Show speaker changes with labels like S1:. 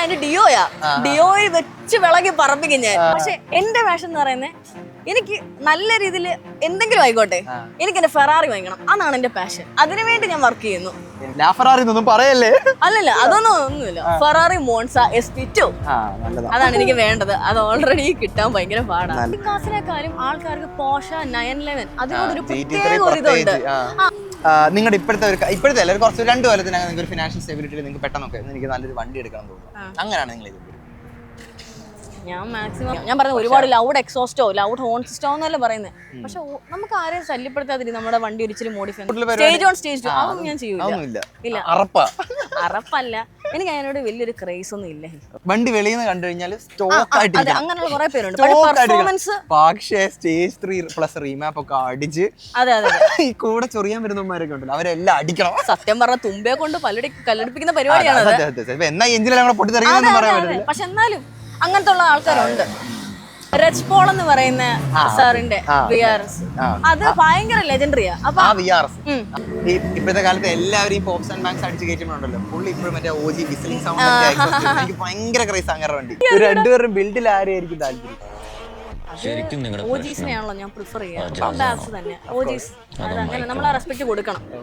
S1: അതിന്റെ ഡിയോയാ. ഡിയോയിൽ വെച്ച് വിളകി പറപ്പിക്കും ഞാൻ. പക്ഷെ എന്റെ പാഷൻ എന്ന് പറയുന്നത് എനിക്ക് നല്ല രീതിയിൽ എന്തെങ്കിലും ആയിക്കോട്ടെ, എനിക്ക് എന്റെ ഫെറാറി വാങ്ങിക്കണം. അതാണ് എന്റെ പാഷൻ. അതിനുവേണ്ടി ഞാൻ വർക്ക് ചെയ്യുന്നു.
S2: പറയല്ലേ?
S1: അല്ലല്ല, ഒന്നുമില്ല. ഫെറാറി മോൺസ SP2 അതാണ് എനിക്ക് വേണ്ടത്. അത് ഓൾറെഡി കിട്ടാൻ ഭയങ്കര പാടാണ്. കാസിനെക്കാളും ആൾക്കാർക്ക് പോഷ 911 അതിനോടൊരു പ്രത്യേക ഒരു ഇതുണ്ട്.
S2: നിങ്ങളുടെ ഇപ്പോഴത്തെ അല്ല, കുറച്ച് 2 കൊല്ലത്തിനകം നിങ്ങൾക്ക് ഒരു ഫിനാൻഷ്യൽ സ്റ്റെബിലിറ്റി നിങ്ങൾക്ക് പെട്ടെന്നൊക്കെ എനിക്ക് നല്ലൊരു വണ്ടി എടുക്കണം തോന്നുന്നു. അങ്ങനെയാണ് നിങ്ങൾ ഇത്?
S1: ഞാൻ മാക്സിമം ഞാൻ പറഞ്ഞത് ഒരുപാട് ലൗഡ് എക്സോസ്റ്റോ ലൗഡ് ഹോൺ സിസ്റ്റോ എന്നല്ല പറയുന്നത്. പക്ഷെ നമുക്ക് ആരെയും ശല്യപ്പെടുത്താതിരി നമ്മുടെ വണ്ടി ഒരിച്ചിരി മോഡിഫൈ സ്റ്റേജ് ഓൺ സ്റ്റേജ് അതൊന്നും ഞാൻ ചെയ്യൂല. ഇല്ല, അറപ്പല്ല. എനിക്ക് അതിനോട് വലിയൊരു ക്രേസ് ഒന്നും ഇല്ല.
S2: വണ്ടി വെളിയിൽ നിന്ന് കണ്ടു കഴിഞ്ഞാൽ സ്റ്റോക്ക് ആയിട്ട്
S1: അങ്ങനെയുള്ള കുറെ പേരുണ്ട്. പെർഫോമൻസ്
S2: പക്ഷേ സ്റ്റേജ് 3+ റീമാപ്പ് ഒക്കെ അടിച്ച് ഈ കൂടെ ചൊറിയാൻ വരുന്നവന്മാരൊക്കെ ഉണ്ടല്ലോ, അവരെല്ലാം അടിക്കണം.
S1: സത്യം പറഞ്ഞ തുമ്പയെ കൊണ്ട് കല്ലെടുപ്പിക്കുന്ന പരിപാടിയാണ്.
S2: എന്നാ എഞ്ചിനെല്ലാം പൊട്ടിത്തെറിയാന്ന് പറയാൻ പറ്റില്ല.
S1: പക്ഷെ എന്നാലും അങ്ങനത്തെ ഉള്ള ആൾക്കാരുണ്ട്. റെഡ് പോൾ എന്ന് പറയുന്ന സാറിന്റെ VRS അത് ഭയങ്കര ലെജൻഡറിയാ.
S2: ഇപ്പോഴത്തെ കാലത്ത് എല്ലാവരും പോപ്സ് ആൻഡ് ബാങ്ക്സ് അടിച്ച് കയറ്റുമ്പോണ്ടല്ലോ, പുള്ളി ഇപ്പോഴും മറ്റേ OG വിസിലിംഗ് സൗണ്ട് എനിക്ക് ഭയങ്കര ക്രൈസ് അങ്ങനെ വണ്ടി. രണ്ടുപേരും ബിൽഡിൽ ആരെയായിരിക്കും താല്പര്യം?
S1: OGസിനെയാണല്ലോ ഞാൻ പ്രിഫർ ചെയ്യാം. തന്നെ OGs അങ്ങനെ നമ്മൾ റെസ്പെക്ട് കൊടുക്കണം.